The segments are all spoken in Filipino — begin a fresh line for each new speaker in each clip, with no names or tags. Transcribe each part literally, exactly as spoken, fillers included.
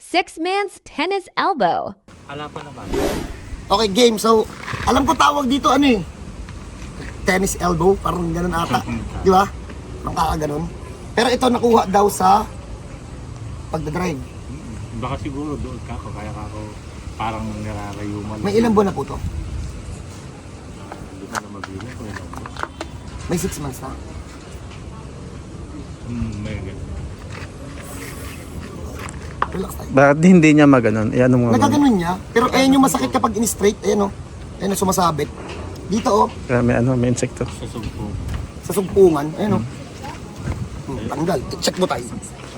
Six Man's Tennis Elbow.
Ala pa naman.
Okay, game. So, alam ko tawag dito ano eh. Tennis elbow, parang ganun ata. Di ba? Parang kakaganon. Pero ito nakuha daw sa pagdadrive.
Baka siguro doon ka ako, kaya ka ako parang nararayuman.
May ilang buwan na po to?
Hindi ko na mabilang kung ilang buwan.
May six months na.
Hmm, may ganun.
Relax tayo.
Bakit hindi niya maganon? Eh, ano mo?
Nagaganon niya, pero ayan yung masakit kapag in-straight. Ayan o. Ayan o, sumasabit. Dito o,
Kaya may ano, may insekto.
Sa sugpo.
sa sumpungan. Ayan o. Hmm, tanggal. Check mo tayo.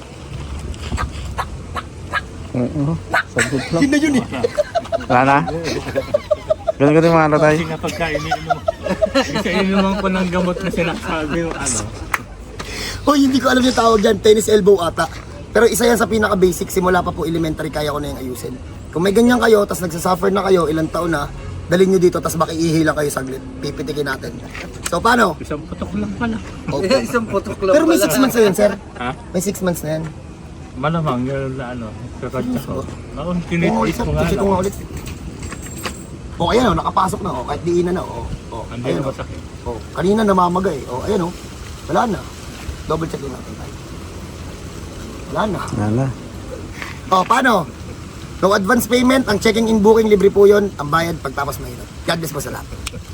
Oo. Sagot lang.
Yun na yun eh.
Wala na? Ganun ganun mga ano tayo.
Kasi kapag kaininom, kasi ininom ko ng gamot na sinasabi yung ano.
Hoy, hindi ko alam yung tawag dyan. Tennis elbow ata. Pero isa yan sa pinaka-basic. Simula pa po elementary, kaya ko na yung ayusin. Kung may ganyan kayo, tas nagsasuffer na kayo, ilang taon na, dalhin nyo dito, tas makiihi lang kayo saglit. Pipitikin natin. So, paano?
Isang putok lang pala.
Okay.
Isang putok lang
Pero may
pala.
six months na yun, sir.
Ha?
May six months na yan.
Malamang yun na ano, kakatsa ko. Ako,
Oo,
tinitis
sir.
ko nga
Check ko
lang.
nga ulit. O, ayan o, nakapasok na o. Kahit diinan na o. O,
Hindi
ayan
na
o.
masakit.
O, kanina namamagay. O, ayan o. Wala na. Double check din natin tayo. Wala na.
Wala na.
O, paano? No advance payment, ang checking in booking libre po yun. Ang bayad pagtapos mahirap. God bless po sa lahat.